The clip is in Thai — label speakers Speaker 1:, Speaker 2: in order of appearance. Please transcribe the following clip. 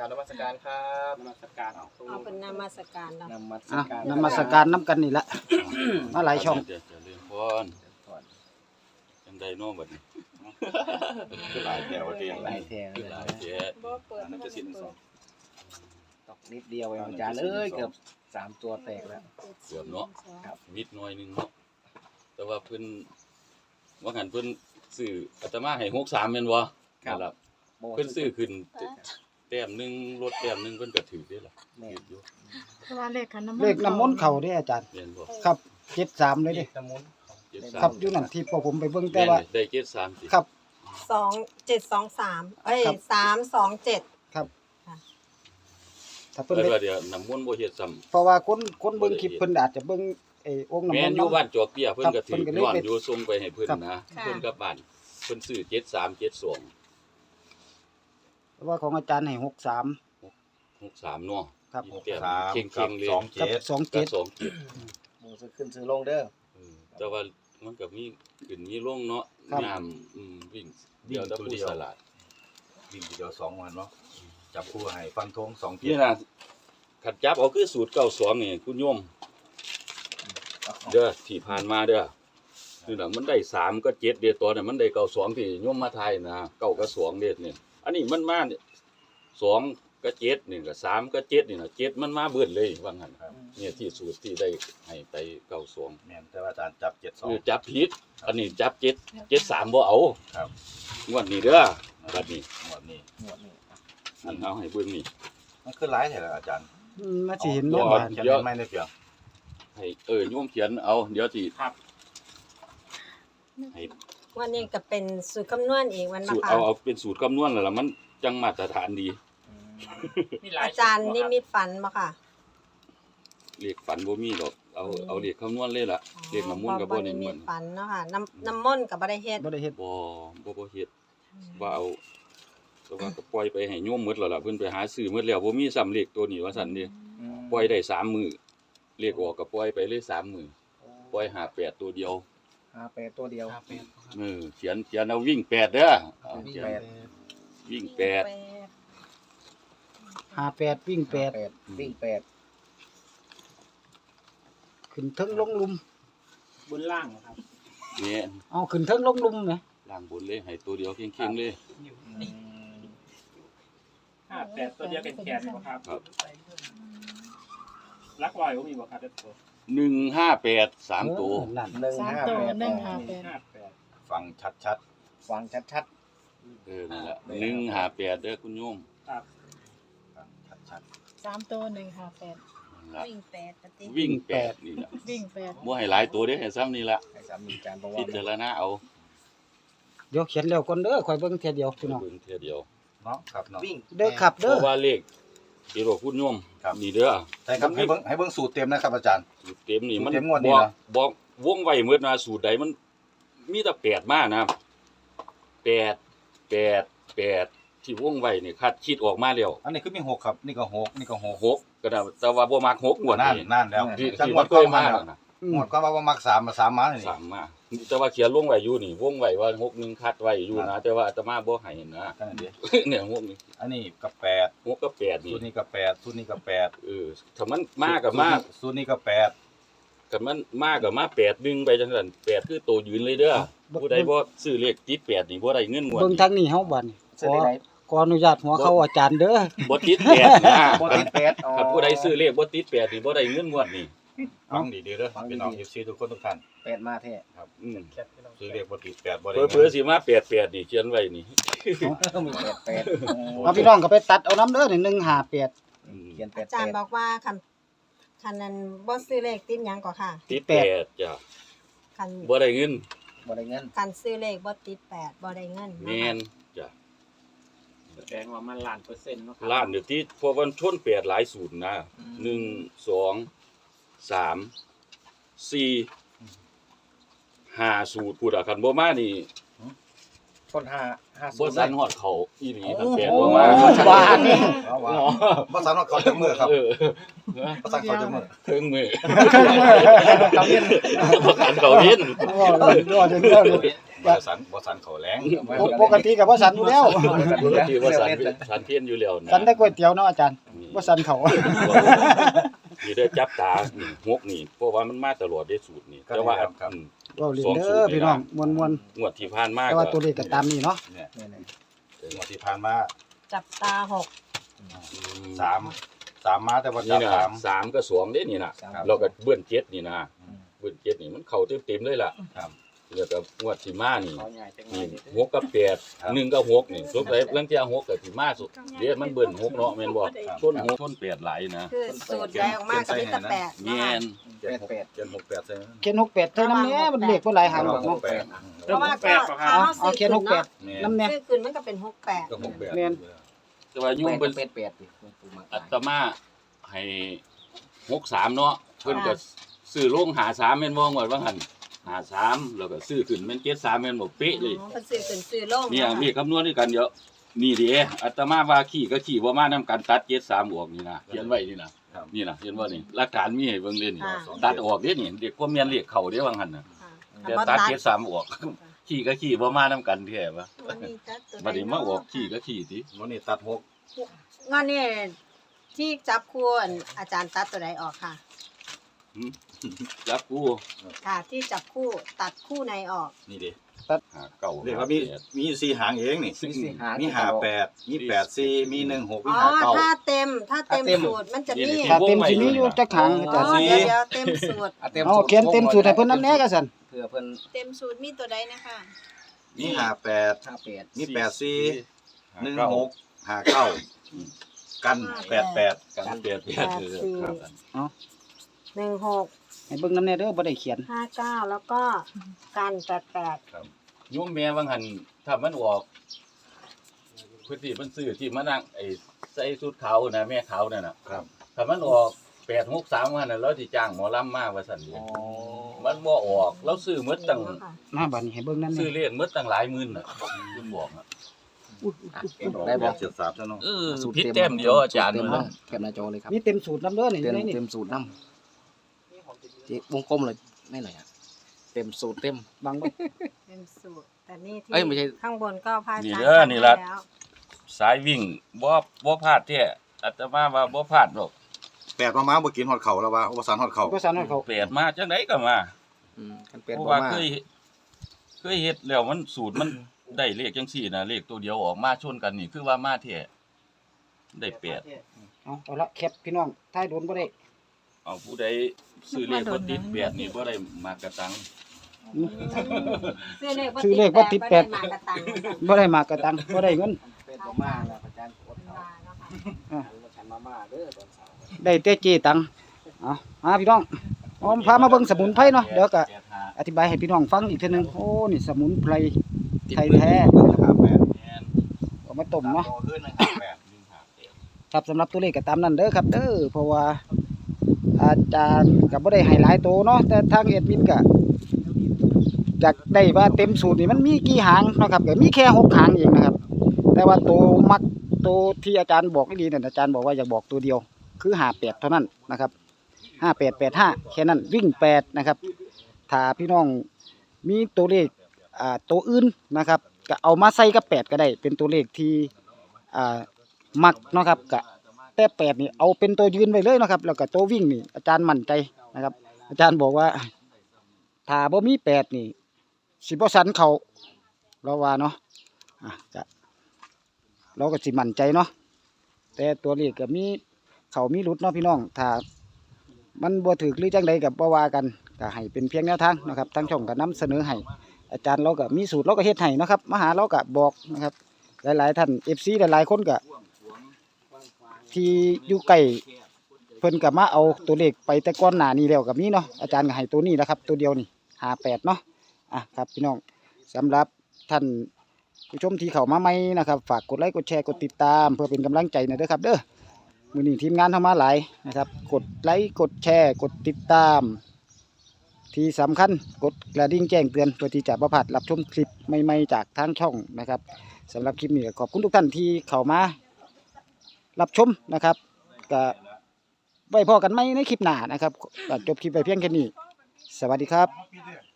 Speaker 1: ราบนมัสการครับ
Speaker 2: นมัสการ
Speaker 3: เอาเป็นนมัสการเนาะ
Speaker 1: นมัสการ
Speaker 4: นมัสการน้ำกันนี่ละมาหลายช่อง
Speaker 2: จะเรียนพรจังไดน้องบัดนี้หลายแถวเดียว
Speaker 1: หลายแถว
Speaker 2: หลายแถว
Speaker 3: บ่เปิด
Speaker 2: นั่นจะสิ้นสอง
Speaker 1: ตกนิดเดียวเองอาจารย์เอ้ยเกือบ3ตัวแตกแล้ว
Speaker 2: เกือบเนาะ
Speaker 1: ครับ
Speaker 2: นิดหน่อยนึงเนาะแต่ว่าเพิ่นว่าหันเพิ่นซื้ออาตมาให้63แม่นบ่ครับ เพิ่นซื้อขึ้นแต้มนึงลดแต้มนึงเพิ่นก็ถือได้ล่ะ
Speaker 1: แม่
Speaker 2: ถืออยู่
Speaker 3: เพราะว่าเลขขันน้ำมนต์
Speaker 4: เลขน้ำมนต์เข่าเด้อาจารย์
Speaker 2: แม่นบ่
Speaker 4: ครับ73เลยเด้
Speaker 1: น้ำมุน
Speaker 4: ครับอยู่นั่นที่พวกผมไปเบิ่งแต่
Speaker 2: แม่น
Speaker 4: ว่า
Speaker 2: ได้73สิ
Speaker 4: ครับ
Speaker 3: 2723เอ้ย
Speaker 4: ครับ
Speaker 3: 327
Speaker 4: ครับถ้าเพิ่น
Speaker 2: แต่
Speaker 4: ได้
Speaker 2: ว่าเดี๋ยวน้ำมนต์บ่เฮ็ดซ้ำ
Speaker 4: เพราะว่าคนเบิ่งคลิปเพิ่นอาจจะเบิ่งไอ้องค์น้ำม
Speaker 2: แม่
Speaker 4: น
Speaker 2: น
Speaker 4: ต์
Speaker 2: อยู่
Speaker 4: เนาะ
Speaker 2: บ้านจอกเปี้ยเพิ่นก็ถือ
Speaker 4: ครับเพิ่นก็เลย
Speaker 2: ย้อน
Speaker 4: ไป
Speaker 2: อยู่ส่งไปให้เพิ่น
Speaker 4: ครับ
Speaker 2: นะ
Speaker 3: ค่ะ
Speaker 2: เพิ่นกลับบ้านเพิ่นซื้อ73 72
Speaker 4: เพราะว่าของอาจารย์ให้63
Speaker 2: 63เนาะ
Speaker 4: ครับ
Speaker 2: แต้ม
Speaker 5: 3
Speaker 2: เข่งๆเลย
Speaker 4: กับ
Speaker 2: ก็
Speaker 4: 27
Speaker 2: 27
Speaker 1: หมูซื้อขึ้นซื้อลงเด้อ
Speaker 2: แต่ว่ามันก็มีขึ้นมีลงเนาะ
Speaker 4: ครับ
Speaker 2: ยามวิ่งเดียวตะปูสลัด
Speaker 5: วิ่งทีเดียว2วันเนาะจับคู่ให้ฟันธง2เกี
Speaker 2: นี่
Speaker 5: ยร์
Speaker 2: นะขัดจับเอาคือสูตร92นี่คุณโยมเด้อที่ผ่านมาเด้อนี่น่ะมันได้3ก็7เด้อตัวน่ะมันได้92ที่โยมมาทายนะ9กับ2เด้อนี่อันนี้มันมาเนี่ย2กับ7นี่ก็3กับ7นี่น่ะ7มันมาเบิดเลยว่างั้นเนี่ยที่สูตรที่ได้ให้ไป92
Speaker 5: แม่นแต่ว่าอาจารย์จับ
Speaker 2: จับผิดอันนี้จับ73บ่เอา
Speaker 5: ครับ
Speaker 2: งวดนี้เด้อบัดนี้
Speaker 5: 72งวดนี้
Speaker 1: หมวดนี้
Speaker 2: อันเอาให้เบิ่งนี่
Speaker 5: มันคือหลายแท้ล่ะอาจารย์
Speaker 4: มาสิเห็น
Speaker 2: บ่
Speaker 4: เนาะ
Speaker 2: บ่
Speaker 4: บาด
Speaker 5: เขียน
Speaker 2: เดี๋ยว
Speaker 5: ไม่ได้เพียง
Speaker 2: ให้โยมเขียนเอาเดี๋ยวสิ
Speaker 3: วันนี้ก็เป็นสูตรคำนวณอีกวันมา
Speaker 2: สูตร
Speaker 3: ค่ะ
Speaker 2: เอาเป็นสูตรคำนวณแล้วล่ะมันจังมาตรฐานดี
Speaker 3: อาจารย์นี่มีฝันบ่ค่ะ
Speaker 2: เลขฝันบ่มีดอกเอาเลขคำนวณเลยล่ะเลขน้ำมนต์ก็บ่ได้
Speaker 3: มี
Speaker 2: เหมือน
Speaker 3: ฝันเนาะค่ะน้ำมนต์ก็บ่ได้เฮ็ด
Speaker 4: บ่ได้เฮ็ด
Speaker 2: บ่เฮ็ดว่าเอาแต่ว่าก็ปล่อยไปให้โยมหมดแล้วล่ะเพิ่นไปหาซื้อหมดแล้วบ่มีซ้ำเลขตัวนี้ว่าซั่นเด้ปล่อยได้3มื้อเลขออกก็ปล่อยไปเลย3มื้อปล่อย58ตัวเดียว
Speaker 1: 58ตัวเดียว
Speaker 2: เขียนเอาวิ่ง8เด้อเอาเขียนวิ่ง8
Speaker 4: 58วิ่ง8
Speaker 1: 8วิ่ง8
Speaker 4: ขึ้นเทิงลงลุม
Speaker 6: บนล่างครับ
Speaker 2: เนี่ย
Speaker 4: เอาขึ้นเทิงลงลุมแหม
Speaker 2: ล่างบนเลยให้ตัวเดียวเข่งๆเลย
Speaker 6: 58ตัวเดียวแขนๆนะครับ
Speaker 2: ครับ
Speaker 6: ลักลอยก็มีบ่ครับเด็ดตัว
Speaker 2: 158 3ตัว
Speaker 4: นั่น
Speaker 6: 58
Speaker 5: ฟังชัด
Speaker 1: ฟังชัด
Speaker 2: นั่นแหละ158เด้อคุณโยม
Speaker 6: ครับ
Speaker 5: ๆฟังชัด
Speaker 7: 3 ตัว 158
Speaker 2: นั่นล่ะ
Speaker 3: วิ่ง8ปฏิ
Speaker 2: วิ่ง8นี่ล่ะ
Speaker 7: วิ่ง8
Speaker 2: บ่ให้หลายตัวเด้อให้ซ้ำนี่ล่ะ
Speaker 1: ๆให้สามีอาจารย์บอกว่า
Speaker 2: พิจารณาเอา
Speaker 4: เดี๋ยวเขียนแล้วก่อนเด้อค่อยเบิ่งเทียเดียวพี่น้อง
Speaker 2: เบิ่งเทื่อเดียว
Speaker 5: ๆเนาะครับเนาะ
Speaker 1: วิ่ง
Speaker 4: เด้อครับ
Speaker 2: เพ
Speaker 4: เด้อ
Speaker 2: ราะว่าเลขที่เราพูดโยม
Speaker 5: ครับ
Speaker 2: นี่เด้อ
Speaker 5: ใช่ครับให้เบิ่งสูตรเต็มนะครับอาจารย์
Speaker 2: สูตรเต็มนี่มัน
Speaker 5: สูตรเต็มงวดนี้
Speaker 2: บอก
Speaker 5: เหรอ
Speaker 2: บอกวงไว้หมดนะสูตรใดมันมีแต่8มานะ8ที่วงไว้นี่คาดคิดออกมาแล้ว
Speaker 5: อันนี้คือมี6ครับนี่ก็6นี่ก็6
Speaker 2: 6ก็ได้แต่ว่าบ่มัก6งวด
Speaker 5: นั่น
Speaker 2: นี่
Speaker 5: นั่นแล้ว
Speaker 2: ที่
Speaker 5: จัง
Speaker 2: ที่
Speaker 5: หวั
Speaker 2: มั
Speaker 5: ด
Speaker 2: น
Speaker 5: ก็
Speaker 2: เคย
Speaker 5: มา
Speaker 2: มานะ
Speaker 5: หมดก็ว่ามัก3มา3มานี่
Speaker 2: 3มาแต่ว่าเขียนลงไว้อยู่นี่วงไว้ว่า61คัดไว้อยู่นะแต่ว่าอาตมาบ่ให้นะ
Speaker 5: กันดิ
Speaker 2: เนี่ย6นี่
Speaker 5: อันนี้ก็8
Speaker 2: 6กับ8นี่
Speaker 5: สูตรนี้ก็8สูตรนี้ก็8
Speaker 2: ถ้ามันมากับมา
Speaker 5: สูตรนี้ก็8
Speaker 2: ถ้ามันมากับมา8ดึงไปจังซั่น8คือโตยืนเลยเด้อผู้ใดบ่ซื้อเลขติด8นี่บ่ได้เงินงวด
Speaker 4: เบิ่ง
Speaker 2: นี่
Speaker 4: ทางนี้เฮาบัดนี้
Speaker 1: ซื้อได้ไหน
Speaker 4: ขออนุญาตหัวเข้าอาจารย์เด้อ
Speaker 2: บ่ติด8นะ
Speaker 1: บ่ติด8อ๋อ
Speaker 2: ถ้าผู้ใดซื้อเลขบ่ติด8นี่บ่ได้เงินงวดนี่
Speaker 5: ฟังดีๆเด้อพี่น้อง FC ทุกคนทุกท่าน
Speaker 1: 8มาแท้
Speaker 2: อืม
Speaker 5: ซื้อเลขบ่ติด8บ่ได้
Speaker 2: เผื่อๆสิมา88นี่เขียนไว้นี่
Speaker 1: มี88
Speaker 4: เอาพี่น้องก็ไปตัดเอาน้ำเด้อนี่158
Speaker 2: อืม
Speaker 1: เขียน
Speaker 3: อาจารย์บอกว่าคันนั้นบ่ซื้อเลขติดหยังก็ค่ะ
Speaker 2: ติด8จ้ะ
Speaker 3: คัน
Speaker 2: บ่ได้เงิน
Speaker 1: บ่ได้เงิน
Speaker 3: คันซื้อเลขบ่ติด8บ่ได้เงิน
Speaker 2: แม่นจ้ะ
Speaker 6: แสดงว่ามันล้านเปอร์เซ็นต์เนาะครับ
Speaker 2: ล้านเดี๋ยวที่เพราะมันชน8หลายสูตรนะ1 2 3 4 5สูตรพูดอ่ะคันบ่มานี่
Speaker 1: คน5
Speaker 2: บ่
Speaker 1: 50
Speaker 2: สันฮอดเขาอีหลีคันแปด
Speaker 4: โอ้
Speaker 2: บ่มา
Speaker 4: บ้านนี่
Speaker 5: เอาว่าบ่สามารถเขาจักมือครับ
Speaker 2: เออ
Speaker 5: บ่สามารถเขาจักมือ
Speaker 2: เทิงมือ
Speaker 1: เขาเรียน
Speaker 2: ประกันเขาเห็น
Speaker 4: ว่าเลยด้วยเด้อ
Speaker 5: บ่สันเขาแรง
Speaker 4: ปกติก็บ่สั่นอยู่แล้ว
Speaker 2: ปกติว่าสันเพี้ยนอยู่แล้วนะ
Speaker 4: สั่นแต่ก๋วยเตี๋ยวเนาะอาจารย์บ่สั่นเขา
Speaker 2: นี่ได้จับตานี่หกนี่เพราะว่ามันมาตลอดได้สูตรนี่แต่ว่า
Speaker 4: เว้าเล่นเด้อพี่น้องม่วน
Speaker 2: งวดที่ผ่านมา
Speaker 4: ๆแต่ว่าตัวเลขก็ตามนี้เนาะ
Speaker 5: เนี่ย
Speaker 1: เนี่ย
Speaker 5: งวดที่ผ่านมา
Speaker 3: จับตาหก
Speaker 5: 3มาแต่ว่า
Speaker 2: นี่
Speaker 5: จับ
Speaker 2: นะ
Speaker 5: 3
Speaker 2: สามก็สองเด้นี่นะเราก็เบื้อนเจ็ดนี่นะเบื้อนเจ็ดนี่มันเข้าเต็มๆเลยล่ะ
Speaker 5: ครับ
Speaker 2: แล้วก็งวดที่มานี่
Speaker 6: เขาใหญ่จังเล
Speaker 2: นี่
Speaker 6: ย
Speaker 2: หกกับแปดหนึ่งกับหกนี่สงสัยเรื่องที่หกกับที่มาสุดเดี๋ยวมันเบิ่นหกเนาะแม่นบ่ต้นหกต้นแปดหลายนะ
Speaker 3: คือสูตรได้ออกมากับมีแต่แปด
Speaker 2: แม่น
Speaker 5: 768ใช่ไหม
Speaker 4: เขียน68เท่านั้นแหละมันเลขบ่หลายหางหรอกเนาะ
Speaker 3: เพราะว่าก็ถ้า
Speaker 4: เอาเขียน68
Speaker 5: เนี่ย
Speaker 4: นำแน่
Speaker 3: ซื้อคืนมันก็เป็น68
Speaker 5: ก็68
Speaker 4: แม่น
Speaker 2: แต่ว่ายุ่งเป็น
Speaker 1: เป็ดดิ
Speaker 2: อัตมาให้63เนาะเพิ่นก็ซื้อลง53แม่นบ่งวดว่าหั่น53แล้วก็ซื้อขึ้นแม่น73แม่นบ่เป๊ะเลย
Speaker 3: อ๋อเป็นซื้อขึ้นซื้อลง
Speaker 2: เนี่ยมีคำนวณด้วยกันเยอะนี่ดิอาตมาว่าขี่ก็ขี่บ่มานํกันตัด73ออกนี่นะเขียนไว้นี่นะครับ นี่นะเห็นบ่นี่หลักฐานมีให้เบิ่งเลยนี่ตัดออกเด้นี่เด็กบ่แม่นเลขเข้าเด้ว่าหั่นน่ะ
Speaker 3: ค่ะ
Speaker 2: แต่ตัด73ออกขี่ก็ขี่บ่มานํกันแท้ว่า
Speaker 3: วันนี้จัดตัว
Speaker 2: บัดนี้มาออกขี่ก็ขี่ติ
Speaker 5: วันนี้ตัด6
Speaker 3: งานนี้ที่จับคู่อันอาจารย์ตัดตัวใดออกค่ะ
Speaker 2: จับกู
Speaker 3: ค่ะที่จับคู่ตัดคู่ในออก
Speaker 5: นี่ดิ
Speaker 2: หาเก่า
Speaker 5: เรียกว่ามี4หางเองนี่ มี58มี84มี16มี
Speaker 3: อ๋อถ้าเต็มสูตรมันจะมี
Speaker 4: ถ้าเต็มสิมีอยู่จักหางอา
Speaker 3: อ๋
Speaker 4: จารย์
Speaker 3: อเดี๋ยวเต็มสูตร
Speaker 4: เอาเขียนเต็มสูตรให้เพิ่นนำแน่ก็ซั่น
Speaker 1: เพื่อเพิ่น
Speaker 3: เต็มสูตรมีตัวใดนะคะ
Speaker 5: มี58
Speaker 1: 58
Speaker 5: มี84 16 59กัน88
Speaker 2: กันเปลี่ยนครับ
Speaker 3: 16
Speaker 4: ให้เบิ่งนำแน่เด้อบ่ได้เขียน
Speaker 3: 59แล้วก็กัน88
Speaker 2: โยมแม่ว่าหั่นถ้ามันออกพื้นที่มันซื้อที่มานั่งไอ้ใส่ชุดขาวนะแม่ขาวนั่นน่ะ
Speaker 5: ครับ
Speaker 2: ถ้ามันออก863ว่านั่นเราสิจ้างหมอลำมาว่าซั่นเด้มันบ่ออกเราซื้อหมดตั้ง
Speaker 4: มาบัดนี้ให้เบิ่งนำ
Speaker 2: ซื้
Speaker 4: แน่
Speaker 2: อเลียนหมดตั้งหลายหมื่นน่ะคุณบอกน่ะ
Speaker 1: ได้บ่
Speaker 5: 73ซะเนาะ
Speaker 2: ผิดแต้มเดียวอาจารย์
Speaker 1: เต็ม
Speaker 2: มัน
Speaker 1: แคปหน้าจอเลยครับ
Speaker 4: มีเต็มสูตรนำเด้อนี่
Speaker 1: เต็ม
Speaker 4: นี่
Speaker 1: เต็มสูตรน้ำที่วงกลมเลยไม่ไหนอ่ะเต็มสูตรเต็ม
Speaker 4: บางบ่
Speaker 3: เป็นสูตรแต่นี่ที่
Speaker 1: เอ้ยไม่ใช่
Speaker 3: ข้างบนก็พา
Speaker 2: นี่
Speaker 3: จารย์
Speaker 2: เด้อนี่ล่ะ
Speaker 3: ทำให้แล้ว
Speaker 2: สายวิ่งบ่พลาดแท้อาตมาว่าบ่พลาดหรอก
Speaker 5: 8มาบ่กินฮอดเขาแล้วว่าบ่สันฮอดเขา
Speaker 4: บ่สั่นให้เขา
Speaker 2: แปดมาจังไดก็มา
Speaker 1: กันเป็ด
Speaker 2: เพราะ
Speaker 1: บ่
Speaker 2: ว่า
Speaker 1: มา
Speaker 2: เคยเฮ็ดแล้วมันสูตรมันได้เลขจังซี่นะเลขตัวเดียวออกมาชนกันนี่คือว่ามาแท้ได้แปด
Speaker 4: เอาละแคปพี่น้องท้ายโดนบ่ได้
Speaker 2: เอาผู้ใดซื้อเลขบ่ติดแปดนี่บ่ได้มากระตัง
Speaker 3: ซื้อเลข
Speaker 4: ซื้อเลขบ่ติดแปด
Speaker 3: บ่ได้มากระตัง
Speaker 4: บ่ได้มากระตังบ่ได้เงิน
Speaker 1: เป็ดบ่มาแล้วอาจารย์กดเอา
Speaker 3: มาเนาะค่ะ
Speaker 1: มาฉันมาม่าเด้อตอนเช้า
Speaker 4: ได้แต่เจตังเอาพี่น้องพามาเบิ่งสมุนไพรเนาะเดี๋ยวก็อธิบายให้พี่น้องฟังอีกเทื่อนึงโอ้นี่สมุนไพรไทยแท้
Speaker 5: 58
Speaker 4: เอามาต้มเนาะ
Speaker 5: ขึ้นนะ58
Speaker 4: ครับสำหรับตัวเลขก็ตามนั้นเด้อครับเด้อเพราะว่าอาจารย์ก็บ่ได้ให้หลายโตเนาะแต่ทางแอดมินก็อยากได้ว่าเต็มสูตรนี่มันมีกี่หางเนาะครับก็มีแค่6หางเองนะครับแต่ว่าตัวมักตัวที่อาจารย์บอกดีๆนั่นอาจารย์บอกว่าอยากบอกตัวเดียวคือ58เท่านั้นนะครับ5885แค่นั้นวิ่ง8นะครับถ้าพี่น้องมีตัวเลขตัวอื่นนะครับก็เอามาใส่กับ8ก็ได้เป็นตัวเลขที่มักเนาะครับก็แต่8นี่เอาเป็นตัวยืนไว้เลยเนาะครับแล้วก็ตัววิ่งนี่อาจารย์มั่นใจนะครับอาจารย์บอกว่าถ้าบ่มี8นี่สิบ่สันเขาเราว่าเนาะก็เราก็สิมั่นใจเนาะแต่ตัวเลขก็มีเขามีหลุดเนาะพี่น้องถ้ามันบ่ถูกหรือจังใดก็บ่ว่ากันก็ให้เป็นเพียงแนวทางนะครับทางช่องก็นำเสนอให้อาจารย์เราก็มีสูตรเราก็เฮ็ดให้เนาะครับมาหาเราก็บอกนะครับหลายๆท่าน FC หลายๆคนก็ที่อยู่ใกล้เพิ่นก็มาเอาตัวเลขไปแต่ก่อนหน้านี้แล้วก็มีเนาะอาจารย์ก็ให้ตัวนี้นะครับตัวเดียวนี่58เนาะครับพี่น้องสำหรับท่านผู้ชมที่เข้ามาใหม่นะครับฝากกดไลค์กดแชร์กดติดตามเพื่อเป็นกำลังใจหน่อยเด้อครับเด้อมื้อนี้ทีมงานเฮามาหลายนะครับกดไลค์กดแชร์กดติดตามที่สำคัญกดกระดิ่งแจ้งเตือนเพื่อที่จะบ่พลาดรับชมคลิปใหม่ๆจากทางช่องนะครับสำหรับคลิปนี้ก็ขอบคุณทุกท่านที่เข้ามารับชมนะครับก็ไว้พอกันไหมในคลิปหน้านะครับก็จบคลิปไปเพียงแค่นี้สวัสดีครับ